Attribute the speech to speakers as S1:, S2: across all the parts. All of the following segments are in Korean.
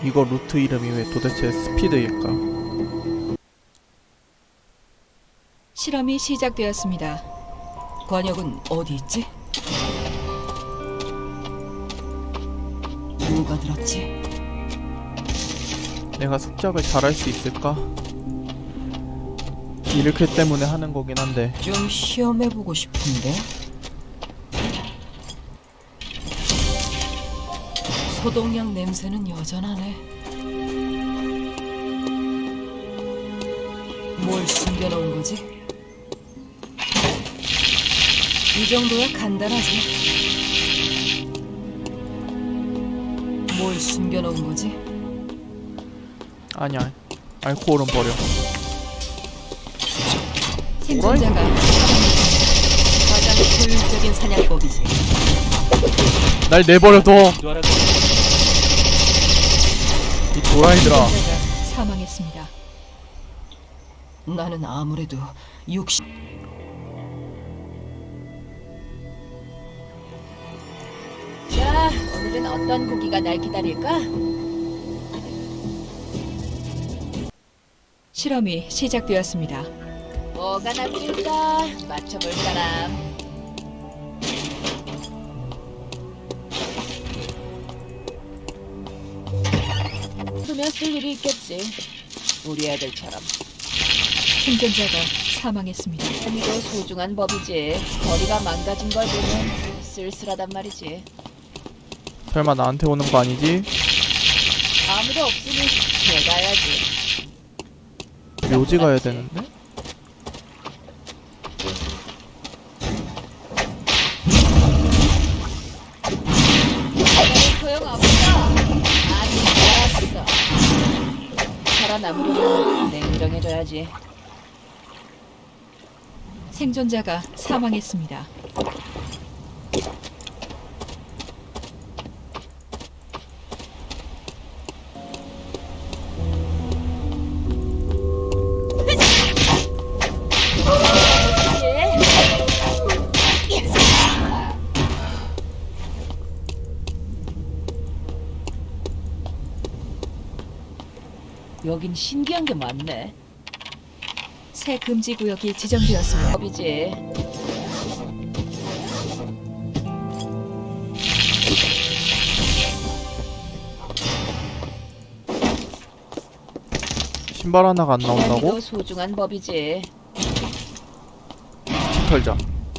S1: 이거 루트 이름이 왜 도대체 스피드일까?
S2: 실험이 시작되었습니다. 권역은 어디 있지? 누가 들었지?
S1: 내가 습작을 잘할 수 있을까? 이렇게 때문에 하는 거긴 한데.
S2: 좀 시험해보고 싶은데? 소독약 냄새는 여전하네. 뭘 숨겨놓은 거지? 이 정도야 간단하지. 뭘 숨겨놓은 거지?
S1: 아니야, 알코올은 버려.
S2: 생존자가 가장 효율적인 사냥법이지.
S1: 날 내버려둬! 이 도라이들아.
S2: 생존자가 사망했습니다. 나는 아무래도 60...
S3: 자, 오늘은 어떤 고기가 날 기다릴까?
S2: 실험이 시작되었습니다.
S3: 뭐가 낫길까? 맞춰볼 사람. 그러면 쓸 일이 있겠지. 우리 애들처럼.
S2: 생존자가 사망했습니다.
S3: 이도 소중한 법이지. 거리가 망가진 걸 보면 쓸쓸하단 말이지.
S1: 설마 나한테 오는 거 아니지?
S3: 아무도 없으니 내가 해야지.
S1: 묘지 가야 되는데?
S3: 소용없어. 아직 살았어. 살아남으려면 냉정해져야지.
S2: 생존자가 사망했습니다.
S3: 여긴 신기한 게 많네.
S2: 새 금지 구역이 지정되었습니다.
S3: 법이지.
S1: 신발 하나가 안 나온다고?
S3: 시간이도 소중한 법이지.
S1: 집 털자.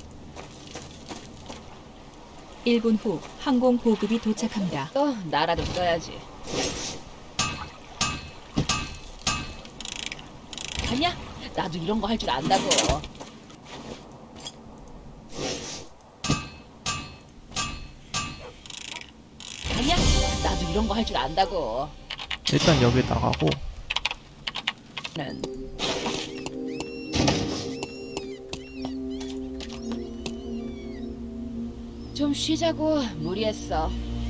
S2: 1분 후 항공 보급이 도착합니다.
S3: 또 나라도 써야지. 아니야, 나도 이런 거 할 줄 안다고. 아니야, 나도 이런 거 할 줄 안다고.
S1: 일단 여기 나가고.
S3: 는 좀 쉬자고. 무리했어.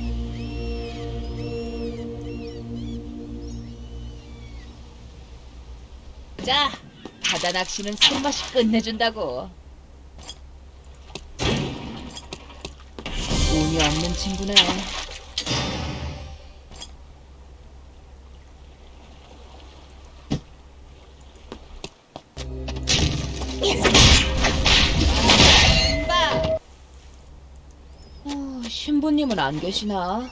S3: 자, 바다 낚시는 손맛이 끝내준다고. 운이 없는 친구네. 신부님은 안 계시나?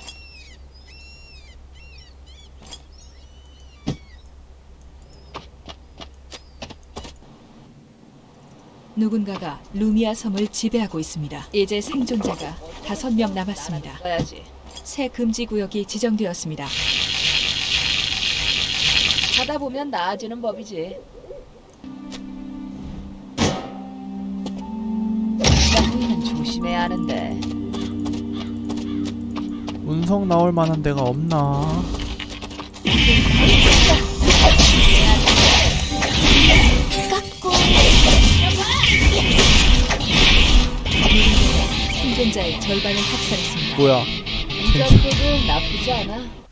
S2: 누군가가 루미아 섬을 지배하고 있습니다. 이제 생존자가 5명 남았습니다.
S3: 가야지.
S2: 새 금지 구역이 지정되었습니다.
S3: 하다 보면 나아지는 법이지. 우리는 조심해야 하는데.
S1: 운석 나올 만한 데가 없나?
S2: 생존자의 절반을 학살했습니다.
S1: 뭐야?
S3: 이 정도도 나쁘지 않아.